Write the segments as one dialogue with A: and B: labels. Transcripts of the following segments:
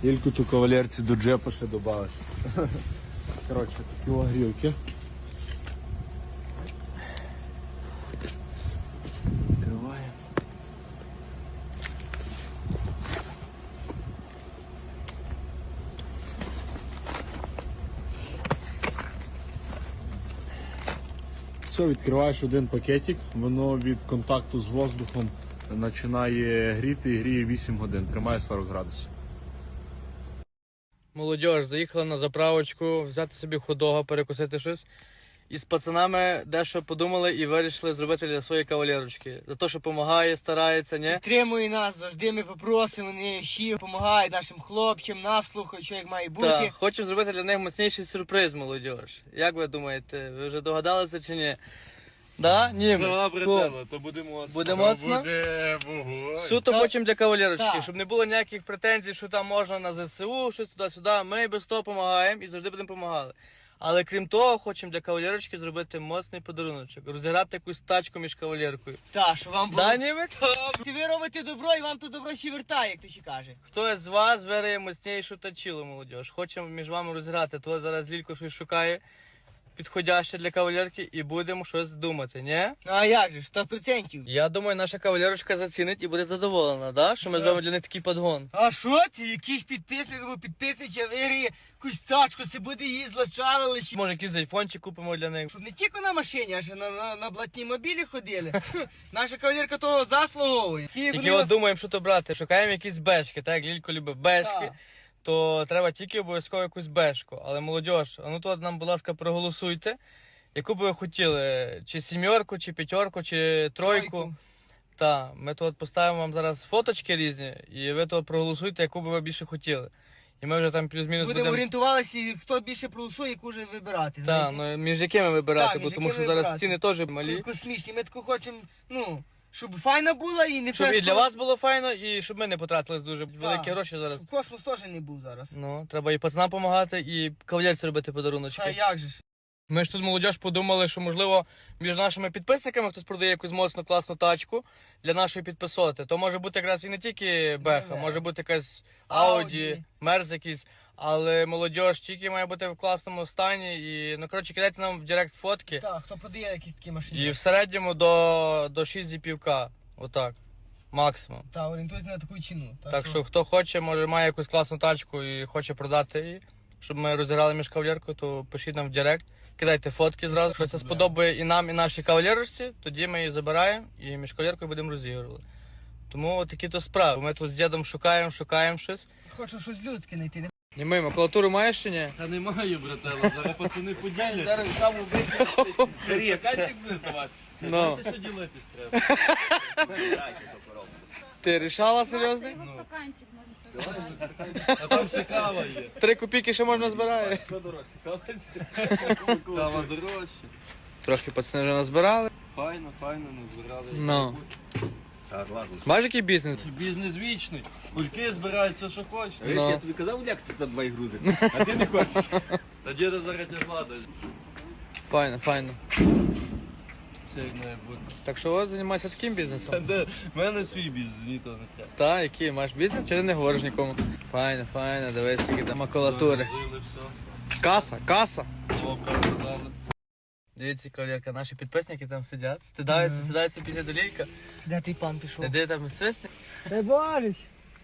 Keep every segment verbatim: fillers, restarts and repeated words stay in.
A: Тільки ту кавалерці до джепа ще добавиш. Коротше, такі огрілки. Відкриваємо. Все, відкриваєш один пакетик, воно від контакту з воздухом починає гріти і гріє вісім годин, тримає сорок градусів.
B: Молодіж, заїхала на заправочку, взяти собі хот-дога, перекусити щось. І з пацанами дещо подумали і вирішили зробити для своєї кавалерочки. За те, що допомагає, старається, ні?
C: Підтримує нас, завжди ми попросимо, вони всі допомагають нашим хлопцям, нас слухають, що як має бути.
B: Так, хочемо зробити для них моцніший сюрприз, молодіж. Як ви думаєте, ви вже догадалися чи ні? Да? Ні.
A: Добре,
B: Ку.
A: Тело, то буде моцно.
B: Буде моцно?
A: Буде вогонь.
B: Суто
C: Так.
B: хочемо для кавалерочки,
C: Так.
B: щоб не було ніяких претензій, що там можна на ЗСУ, щось туди-сюди. Ми без того допомагаємо і завжди будемо допомагати. Але крім того, хочемо для кавалерочки зробити моцний подаруночок, розіграти якусь тачку між кавалеркою.
C: Так, що вам було.
B: Да, німець?
C: Ти ви робите добро і вам то добро ще вертає, як то ще каже.
B: Хтось з вас виграє моцнішу тачілу, молодіж. Хочемо між вами розіграти. То зараз Лілько щось шукає підходяще для кавалерки і будемо щось думати, ні?
C: Ну а як же, сто процентів.
B: Я думаю, наша кавалерочка зацінить і буде задоволена, да? Що ми зробимо для них такий подгон.
C: А що це? Якийсь підписник або підписниця виграє якусь тачку, це буде її злачали лише.
B: Може, якийсь айфончик купимо для них.
C: Щоб не тільки на машині, а ще на, на, на блатній мобілі ходили. Наша кавалерка того заслуговує. Ті,
B: Тільки
C: вони
B: от
C: нас-
B: думаємо, що то брати. Шукаємо якісь бешки, так як Лілько любить бешки,
C: Так.
B: то треба тільки обов'язково якусь бешку. Але молодіж, а ну то нам, будь ласка, проголосуйте, яку би ви хотіли, чи сімерку, чи п'ятерку, чи тройку.
C: Тройку.
B: Так, ми тут поставимо вам зараз фоточки різні, і ви тут проголосуйте, яку би ви більше хотіли. І ми вже там плюс-мінус
C: Будемо
B: будемо.
C: орієнтувалися, хто більше проголосує, яку вже вибирати.
B: Так,
C: знаєте.
B: ну між якими вибирати,
C: Так,
B: бо
C: між
B: тому що
C: якими
B: зараз
C: вибирати.
B: ціни теж малі.
C: Космічні. Ми таку хочемо, ну, щоб файна була і не
B: Щоб і
C: фест-
B: для вас було файно, і щоб ми не потратили дуже великі гроші зараз.
C: Щоб космос теж не був зараз.
B: Ну, треба і пацанам допомагати, і кавалерці робити подаруночки.
C: А як же ж?
B: Ми ж тут молодіж подумали, що можливо між нашими підписниками хтось продає якусь моцну класну тачку для нашої підписоти. То може бути якраз і не тільки Беха,
C: Не-не.
B: може бути якась
C: Ауді.
B: Ауді, Мерз якийсь. Але молодіж тільки має бути в класному стані. І, ну, коротше, кидайте нам в Директ фотки.
C: Так, хто продає якісь такі машини.
B: І в середньому до, до шість зі півка. Отак. Максимум.
C: Та, орієнтуйся на таку ціну.
B: Так що хто хоче, може має якусь класну тачку і хоче продати її, щоб ми розіграли між кавалеркою, то пишіть нам в Директ, кидайте фотки зразу. Якщо це сподобає і нам, і нашій кавалерці, тоді ми її забираємо і між кавалеркою будемо розігрувати. Тому от такі то справи. Ми тут з дідом шукаємо, шукаємо щось.
C: Хочу щось людське знайти. Не
B: І ми, макулатуру маєш чи ні?
A: Та немає, брателло, зараз пацани поділяться.
C: зараз сам убити.
A: Сергій, кальчик буде здавати.
B: Ну.
A: Що ділитись треба?
B: Ти рішала серйозно?
D: Його стаканчик може собі.
A: А там ще кава є.
B: Три копійки ще можна збирати.
A: Що дорожче? Кава дорожче.
B: Трохи пацани вже назбирали.
A: Файно, файно, не збирали.
B: Ну.
A: Так, ладно.
B: Бачиш, який бізнес?
A: Бізнес вічний. Кульки збирають все, що хочеш.
B: Ну.
E: Я тобі казав, лякся за два грузи, а ти не хочеш.
A: Та діда зараз тягла десь.
B: Файно, файно.
A: Все як має бути.
B: Так що от займайся таким бізнесом.
A: Та де? В мене свій бізнес, мені то не треба.
B: Та, який маєш бізнес, чи ти не говориш нікому? Файно, файно, дивись, які там макулатури.
A: Загрузили все.
B: Каса, каса.
A: О, касу дали.
B: Дивіться, кавалерка, наші підписники там сидять, стидаються, сидаються після долійка.
C: Де той пан пішов?
B: Де там свисти?
C: Дай Борис!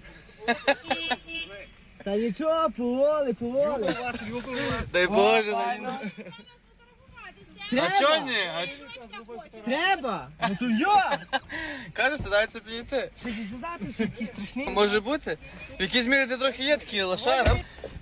C: Та нічого, поволи, поволи.
B: Дай Боже.
C: Файно.
B: А чого ні? А ч...
C: Треба! Ну то йо!
B: Каже, стидаються підійти.
C: Щось і задати, що такі страшні.
B: Може бути? В якійсь мірі ти трохи є такий лошара.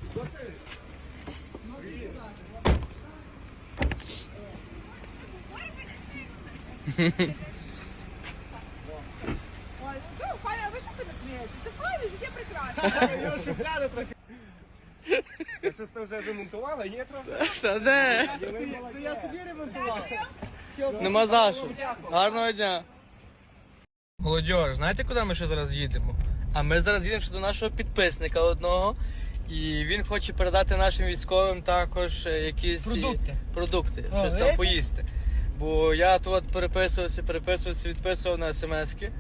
D: Паня, ви що ти не смієтеся? Це правильно, життя прекрасне.
E: Я щось там вже ремонтувала, є трохи?
B: Та де?
C: То я собі ремонтував.
B: Нема за що. Гарного дня. Молодіж, знаєте, куди ми ще зараз їдемо? А ми зараз їдемо ще до нашого підписника одного. І він хоче передати нашим військовим також е, якісь і-
C: Продукти.
B: продукти,
C: О,
B: щось там
C: видите?
B: поїсти. Бо я тут переписувався, переписувався, відписував на смски.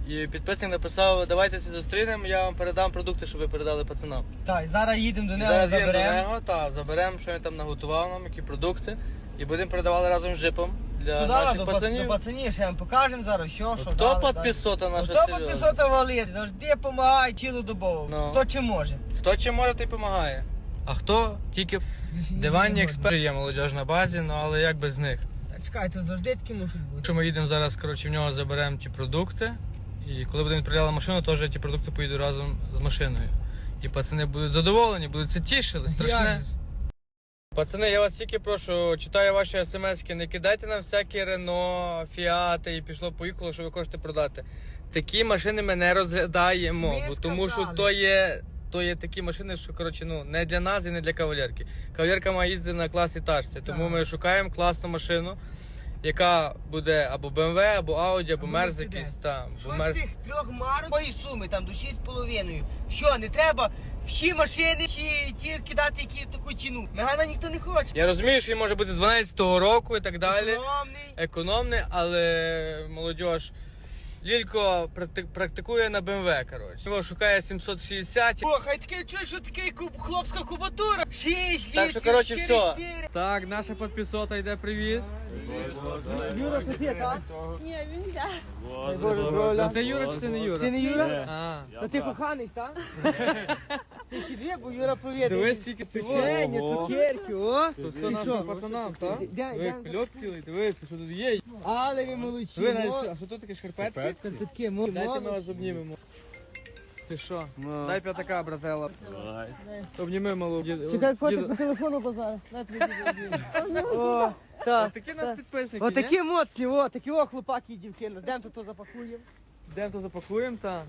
B: І підписник написав, давайте зустрінемо, я вам передам продукти, щоб ви передали пацанам.
C: Так, зараз їдемо до
B: І
C: нього,
B: зараз їдемо до
C: заберемо.
B: нього, та, заберемо, що він там наготував нам, які продукти. І будемо передавати разом з джипом для
C: Туди,
B: наших
C: до, па-
B: пацанів.
C: до пацанів, ще вам покажемо зараз, що, що
B: Хто
C: дали,
B: підписота
C: далі.
B: наша
C: Хто
B: серйозна?
C: підписота валить, завжди допомагає цілодобово.
B: Ну.
C: Хто чи може.
B: Хто чим може, той допомагає. А хто тільки диванні експерти є молодіж на базі, ну але як без них.
C: Так, чекай, то завжди такі мусить бути.
B: Якщо ми їдемо зараз, коротше, в нього заберемо ті продукти. І коли будемо відправляти машину, теж ті продукти поїдуть разом з машиною. І пацани будуть задоволені, будуть це тішили,
C: Як
B: страшне.
C: же?
B: Пацани, я вас тільки прошу, читаю ваші смски, не кидайте нам всякі Рено, Фіати і пішло-поїхало, що ви хочете продати. Такі машини ми не розглядаємо,
C: Ми
B: бо тому що
C: сказали.
B: то є, то є такі машини, що коротше, ну, не для нас і не для кавалерки. Кавалерка має їздити на класі тачці, тому
C: Так.
B: ми шукаємо класну машину, яка буде або бе ем ве, або Audi, або
C: Або
B: Мерз
C: Mercedes.
B: якийсь там.
C: Що
B: або
C: з
B: Мерз-
C: тих трьох марок, тої суми, там до шість з половиною. Що, не треба всі машини, всі ті кидати, які таку ціну. Мегана ніхто не хоче.
B: Я розумію, що він може бути дванадцятого року і так далі.
C: Економний.
B: Економний, але молодіж. Лілько практи- практикує на бе ем ве, коротше. Його шукає сімсот шістдесят.
C: О, хай таке чуєш, що таке куб, хлопська кубатура. Шість,
B: Так що, коротше,
C: чотири,
B: все.
C: чотири.
B: Так, наша підписота йде, привіт.
C: Юра, це ти, так?
D: Ні, він йде.
C: Боже, здоров'я.
B: Ти Юра чи ти не Юра?
C: Ти не Юра?
B: А,
C: Та ти коханий, так? Ти ще дві, бо Юра повідає.
B: дивись, скільки ти
C: Печення, цукерки, о.
B: Тут все
C: І
B: нашим
C: що?
B: пацанам, так?
C: Де-
B: Ви
C: де?
B: кульок цілий, дивись, що тут є.
C: Але ви молодці.
B: Ви навіть,
C: мо-
B: що- а що тут таке шкарпетки?
C: Та тут таке, мо-
B: Дайте ми вас
C: молодці.
B: обнімемо. Ти що? Дай п'ятака, братела. Обніми малу. Дід-
C: Чекай,
B: діду.
C: фото по телефону базар. На тобі відео. О, так.
B: Такі нас підписники,
C: О,
B: ні?
C: такі моцні, о, такі о, хлопаки і дівки. Йдемо тут то запакуємо.
B: Йдемо то запакуємо, та.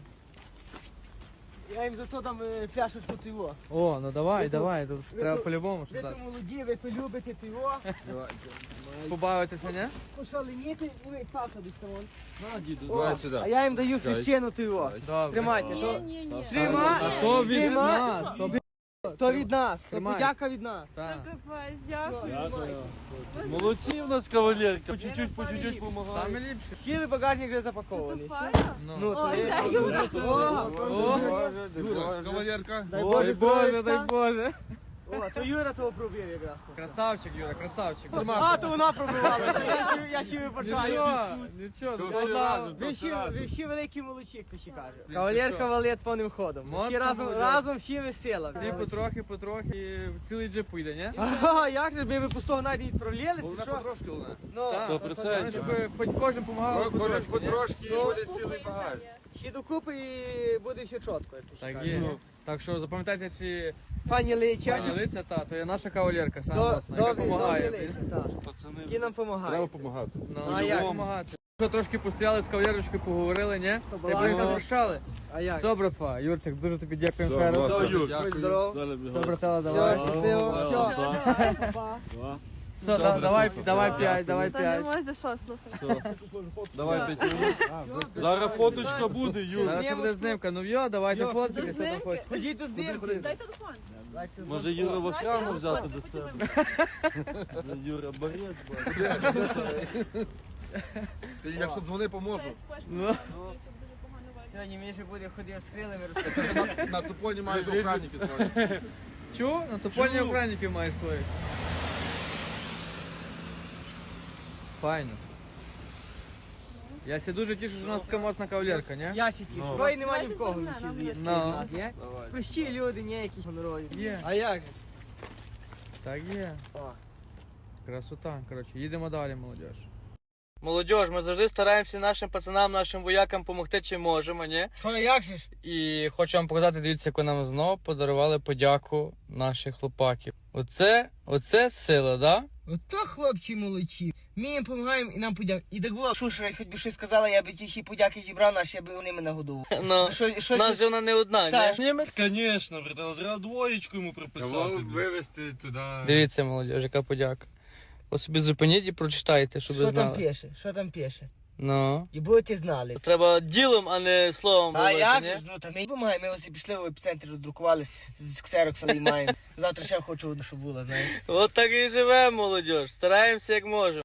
C: Я їм зато дам е, пляшечку тиво.
B: О, ну давай,
C: Ви
B: давай, тут
C: ви
B: треба
C: то-
B: по-любому
C: Ви
B: щось
C: то
B: дати.
C: молоді, ви то любите тиво.
B: Побавитися, ні?
C: Пошаленіти і ви стався до сторон.
E: На, діду,
C: О,
E: давай сюди.
C: а я їм даю хрещену тиво.
B: Добре.
C: Тримайте,
D: Ні,
C: то,
D: ні, ні.
C: Трима-
B: А то від
C: Тримай.
B: нас, то від
C: то від нас, то
B: Тримай.
C: подяка від нас.
B: так.
D: Капець, дякую.
E: Молодці в нас кавалерка. По чуть-чуть, по чуть-чуть
B: Саме
E: допомагають.
B: ліпше.
C: Щили багажник вже запакований.
D: Файно.
B: Ну.
C: Ну, то
D: Ой,
C: є.
D: дай, Юра.
C: О,
E: Юра, кавалерка.
C: дай
B: Ой,
C: Боже,
B: Боже, дай
C: здоров'ячка.
B: Боже.
C: О, то Юра того пробив якраз. то.
B: Красавчик, Юра, красавчик.
C: А, то вона пробивала, я ще- я ще вибачаю.
B: Нічого, нічого.
E: То
B: ну,
E: всі
B: да.
E: разом.
C: Ви ще, ви ще великі молодці, хто ще каже.
B: Ти
C: Кавалерка
B: що?
C: валет повним ходом.
B: Моцно
C: Всі разом,
B: молодець.
C: разом всі весела.
B: Всі потрохи, потрохи, цілий джип поїде, ні?
C: Ага, як же, ми ви пустого навіть не відправляли, ти
E: Вона
C: що?
E: потрошки луна.
C: Ну,
B: Так,
E: Сто процентів.
B: щоб хоч кожен допомагав.
E: Кожен
B: потрошки, ні?
E: потрошки і буде цілий багаж.
C: ще докупи і буде все чітко, як ти ще
B: Так
C: кажеш.
B: є. Так що запам'ятайте ці
C: Пані Лича,
B: пані лиця, та, то є наша кавалерка, сама
C: до-
B: власна, яка
C: добрі, добрі
B: допомагає.
C: Лича, так.
E: Пацани,
C: Які нам допомагають.
E: треба допомагати.
B: Ну,
C: а як?
B: допомагати. Що трошки постояли з кавалерочкою, поговорили, ні?
C: Побалакали.
B: Як ви запрощали?
C: А як?
B: Все, братва, Юрчик, дуже тобі дякуємо
E: Все,
B: ще раз.
E: Все, Юр.
C: Будь здоров.
B: Все, братела, давай.
C: Все, щасливо.
E: Все,
C: Все, па.
B: Все, да- давай, давай п'ять, давай
D: Та не
B: п'ять.
D: можеш за що слухати.
E: Давай п'ять минут. Зараз фоточка буде, Юр.
B: Зараз ще буде знимка. Ну йо, давайте
C: Йо,
B: фоткати,
D: до
B: хто там
D: знимки?
B: хоче.
C: Ходіть до знімки.
D: Дай телефон.
E: Може Юра в охрану взяти до себе. Юра, борець, Якщо дзвони, поможу.
B: Ну.
C: Сьогодні Міша буде ходив з крилами розкатати.
E: На тупоні майже охранники свої.
B: Чу? На топольні
E: Чу.
B: охранників маєш своїх. Файно. Я ся дуже тішу, що у нас така моцна кавалерка, ні?
C: Я сі тішу. Бо й нема ні в кого
D: Давайте
C: Міші здається.
B: Ну.
C: від нас, ні? Прості люди, ні, якісь гонорові.
B: Є.
C: А як?
B: Так є.
C: О.
B: Красота, коротше, їдемо далі, молодіж. Молодіж, ми завжди стараємося нашим пацанам, нашим воякам допомогти, чи можемо, ні?
C: Що, як же ж?
B: І хочу вам показати, дивіться, яку нам знову подарували подяку наших хлопаків. Оце, оце сила, да?
C: Ото хлопці молодці. Ми їм допомагаємо і нам подяк. І так було, шушера, хоч би щось сказала, я би ті всі подяки зібрав, наші, аби вони мене годували.
B: Ну,
C: Що, що
B: нас
C: ти-
B: же вона не одна,
C: Так.
B: ні? Німець?
E: Звісно, братан, зразу двоєчку йому приписати. Вивезти туди.
B: Дивіться, молодіж, яка подяка. Ось собі зупиніть і прочитайте, щоб ви
C: Що там
B: знали.
C: пише? Що там пише?
B: Ну.
C: І будете знали.
B: Треба ділом, а не словом
C: А
B: говорити,
C: як
B: ні?
C: же ж, ну там ми допомагаємо, ми ось і пішли в епіцентр, роздрукували, з ксерокса і маємо. Завтра ще хочу одну, щоб була, знаєш.
B: От так і живемо, молодіж. Стараємося як можемо.